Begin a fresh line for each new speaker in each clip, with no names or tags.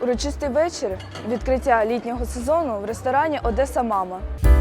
Урочистий вечір відкриття літнього сезону в ресторані «Одеса Мама».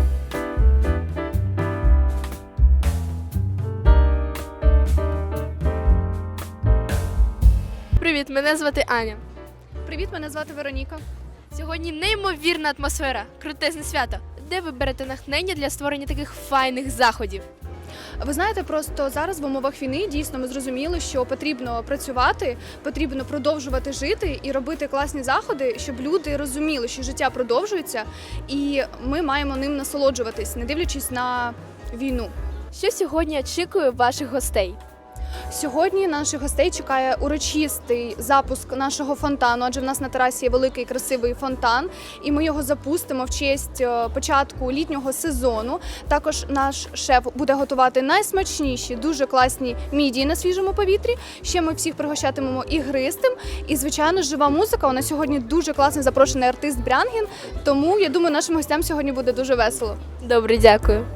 Привіт, мене звати Аня.
Привіт, мене звати Вероніка.
Сьогодні неймовірна атмосфера, крутезне свято. Де ви берете натхнення для створення таких файних заходів?
Ви знаєте, просто зараз в умовах війни дійсно ми зрозуміли, що потрібно працювати, потрібно продовжувати жити і робити класні заходи, щоб люди розуміли, що життя продовжується, і ми маємо ним насолоджуватись, не дивлячись на війну.
Що сьогодні очікує ваших гостей?
Сьогодні наших гостей чекає урочистий запуск нашого фонтану, адже в нас на терасі є великий красивий фонтан, і ми його запустимо в честь початку літнього сезону. Також наш шеф буде готувати найсмачніші, дуже класні мідії на свіжому повітрі. Ще ми всіх пригощатимемо ігристим. І, звичайно, жива музика. У нас сьогодні дуже класний запрошений артист Брянгін, тому, я думаю, нашим гостям сьогодні буде дуже весело.
Добре, дякую.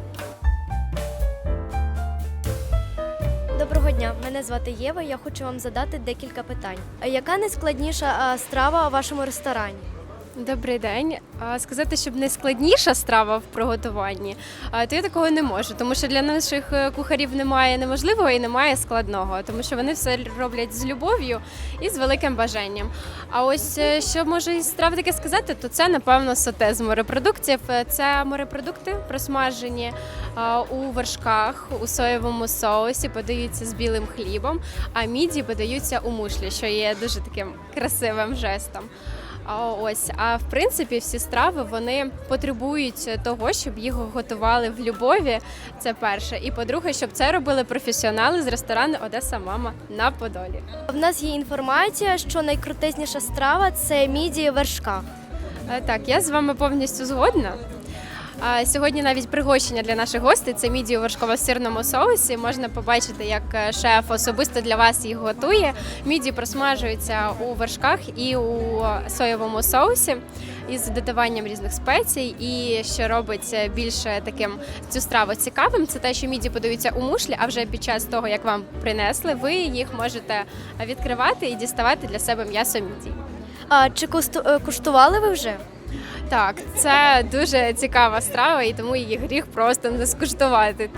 Доброго дня, мене звати Єва, я хочу вам задати декілька питань. Яка найскладніша страва у вашому ресторані?
Добрий день. Сказати, щоб найскладніша страва в приготуванні, то я такого не можу, тому що для наших кухарів немає неможливого і немає складного, тому що вони все роблять з любов'ю і з великим бажанням. А ось що можу із страв таке сказати, то це, напевно, соте з морепродуктів. Це морепродукти просмажені у вершках, у соєвому соусі, подаються з білим хлібом, а міді подаються у мушлі, що є дуже таким красивим жестом. А в принципі всі страви вони потребують того, щоб їх готували в любові. Це перше. І по-друге, щоб це робили професіонали з ресторану «Одеса Мама» на Подолі.
В нас є інформація, що найкрутезніша страва – це мідії в вершках.
Так, я з вами повністю згодна. Сьогодні навіть пригощення для наших гостей – це мідії у вершково-сирному соусі. Можна побачити, як шеф особисто для вас їх готує. Мідії просмажуються у вершках і у соєвому соусі із додаванням різних спецій. І що робить більше таким цю страву цікавим, це те, що мідії подаються у мушлі, а вже під час того, як вам принесли, ви їх можете відкривати і діставати для себе м'ясо мідій.
А чи куштували ви вже?
Так, це дуже цікава страва, і тому її гріх просто не скуштувати.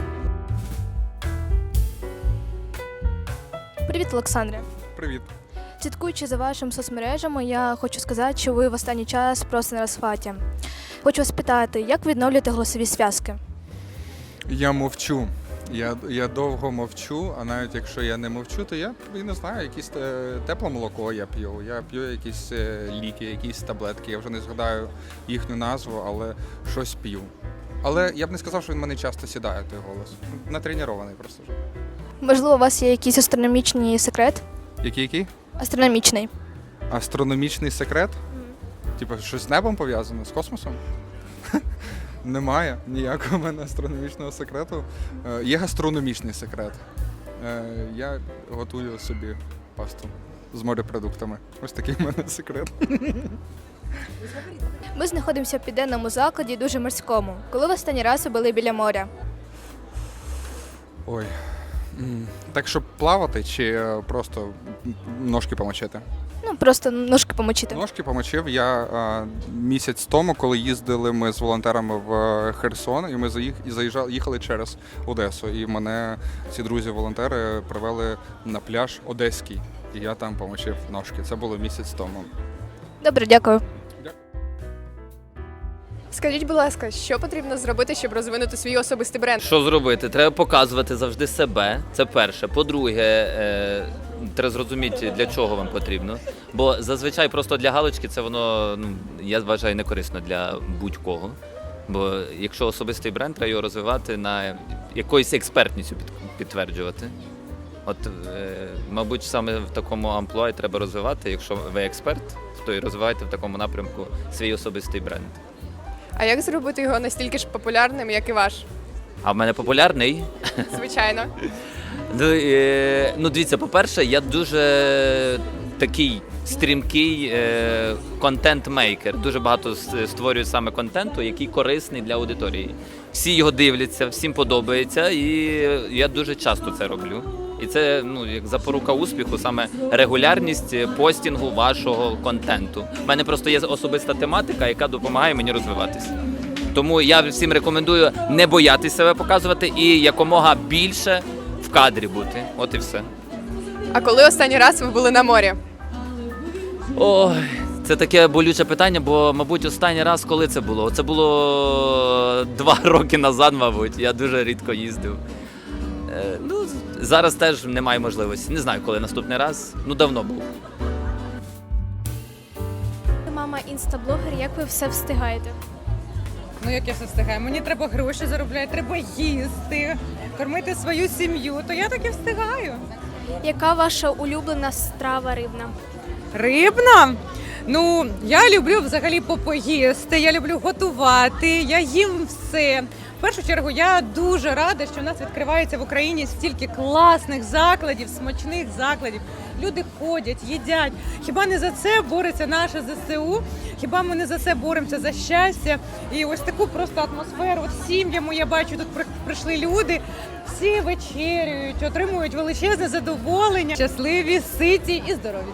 Привіт, Олександре.
Привіт.
Слідкуючи за вашими соцмережами, я хочу сказати, що ви в останній час просто на розхваті. Хочу вас питати, як ви відновлюєте голосові зв'язки?
Я мовчу. Я довго мовчу, а навіть якщо я не мовчу, то я не знаю, якесь тепле молоко я п'ю. Я п'ю якісь ліки, якісь таблетки. Я вже не згадаю їхню назву, але щось п'ю. Але я б не сказав, що він в мене часто сідає, той голос. Натренований просто вже.
Можливо, у вас є якийсь астрономічний секрет?
Який?
Астрономічний.
Астрономічний секрет? Типу, щось з небом пов'язано, з космосом? Немає ніякого в мене астрономічного секрету. Є гастрономічний секрет. Я готую собі пасту з морепродуктами. Ось такий в мене секрет.
Ми знаходимося в південному закладі, дуже морському. Коли ви останній раз ви були біля моря?
Ой. Так, щоб плавати чи просто ножки помочити?
Ну, просто ножки помочити.
Ножки помочив я місяць тому, коли їздили ми з волонтерами в Херсон, і ми їхали через Одесу. І мене ці друзі-волонтери привели на пляж Одеський. І я там помочив ножки. Це було місяць тому.
Добре, дякую.
Скажіть, будь ласка, що потрібно зробити, щоб розвинути свій особистий бренд?
Що зробити? Треба показувати завжди себе. Це перше. По-друге, треба зрозуміти, для чого вам потрібно. Бо зазвичай просто для галочки це воно, я вважаю, не корисно для будь-кого. Бо якщо особистий бренд, треба його розвивати на якоюсь експертністю підтверджувати. От, мабуть, саме в такому амплуа треба розвивати. Якщо ви експерт, то і розвивайте в такому напрямку свій особистий бренд.
А як зробити його настільки ж популярним, як і ваш?
А в мене популярний?
Звичайно.
Дивіться, по-перше, я дуже такий стрімкий контент-мейкер. Дуже багато створюю саме контенту, який корисний для аудиторії. Всі його дивляться, всім подобається, і я дуже часто це роблю. І це як запорука успіху, саме регулярність постінгу вашого контенту. У мене просто є особиста тематика, яка допомагає мені розвиватися. Тому я всім рекомендую не боятися себе показувати і якомога більше в кадрі бути. От і все.
А коли останній раз ви були на морі?
Ой, це таке болюче питання, бо, мабуть, останній раз, коли це було? Це було 2 роки назад, мабуть. Я дуже рідко їздив. Зараз теж немає можливості. Не знаю, коли наступний раз. Давно був.
Мама інстаблогер, як ви все встигаєте?
Як я все встигаю? Мені треба гроші заробляти, треба їсти, кормити свою сім'ю, то я так і встигаю.
Яка ваша улюблена страва рибна?
Рибна? Я люблю взагалі попоїсти, я люблю готувати, я їм все. В першу чергу, я дуже рада, що в нас відкривається в Україні стільки класних закладів, смачних закладів. Люди ходять, їдять. Хіба не за це бореться наше ЗСУ? Хіба ми не за це боремося, за щастя? І ось таку просто атмосферу. От сім'ями я бачу, тут прийшли люди, всі вечерюють, отримують величезне задоволення. Щасливі, ситі і здорові.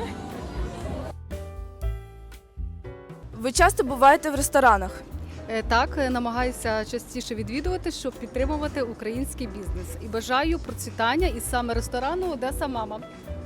Ви часто буваєте в ресторанах?
Так, намагаюся частіше відвідувати, щоб підтримувати український бізнес. І бажаю процвітання із саме ресторану Одеса Мама.